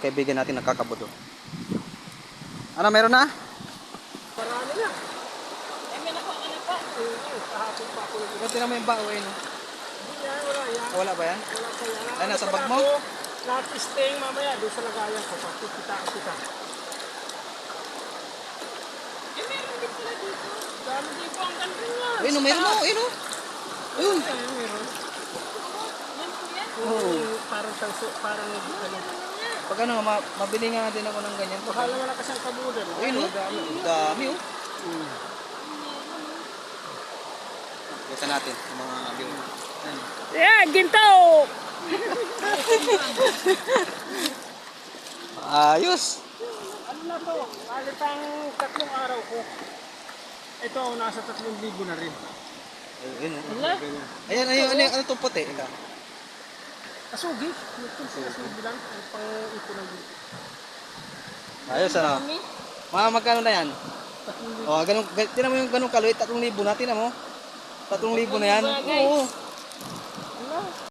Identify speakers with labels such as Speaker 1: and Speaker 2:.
Speaker 1: May kaibigan natin nakakabodo. Ano, meron na?
Speaker 2: Marami na.
Speaker 3: Eh, may nakuha ka na pa.
Speaker 2: Kahapon pa ako.
Speaker 1: Ito naman yung bao eh, no?
Speaker 2: Hindi yan, wala yan.
Speaker 1: Wala ba yan?
Speaker 2: Wala pa yan.
Speaker 1: Ay, nasa
Speaker 2: Ano
Speaker 1: bag
Speaker 2: pala
Speaker 1: mo?
Speaker 2: ako? Lahat staying mamaya doon sa lagayan ko. Kita.
Speaker 3: Eh, meron din pala dito. Dami dito ang ganda niya.
Speaker 1: Ayun, no, meron mo, ayun, no? Ayun.
Speaker 2: Ayun, meron.
Speaker 3: Yan po yan.
Speaker 2: Oo. Parang tanso, parang ano.
Speaker 1: Pag ano, mabili nga din ako ng ganyan.
Speaker 2: Baka naman na kasi ang kabudan.
Speaker 1: Ayun, no? Dami, oh. Kita natin, yung mga viewer. Ayan.
Speaker 3: Yeah, ginto!
Speaker 1: Ayos.
Speaker 2: Ano na to? Kalit ang 3 araw ko. Ito, nasa 3,000 na rin.
Speaker 1: Ayun, oh.
Speaker 3: Wala.
Speaker 1: Ayan, ano itong puti? Ika.
Speaker 2: Asugi. Asugi lang. Ang pang-ipon ng dito.
Speaker 1: Ayos, ano?
Speaker 3: Kami.
Speaker 1: Mga magkano na yan?
Speaker 2: 3,000.
Speaker 1: O, ganun, tinan mo yung ganun kaluit, 3,000 na, tinan mo. 3,000 na yan.
Speaker 3: Bagay.
Speaker 1: Oo.
Speaker 2: Ano?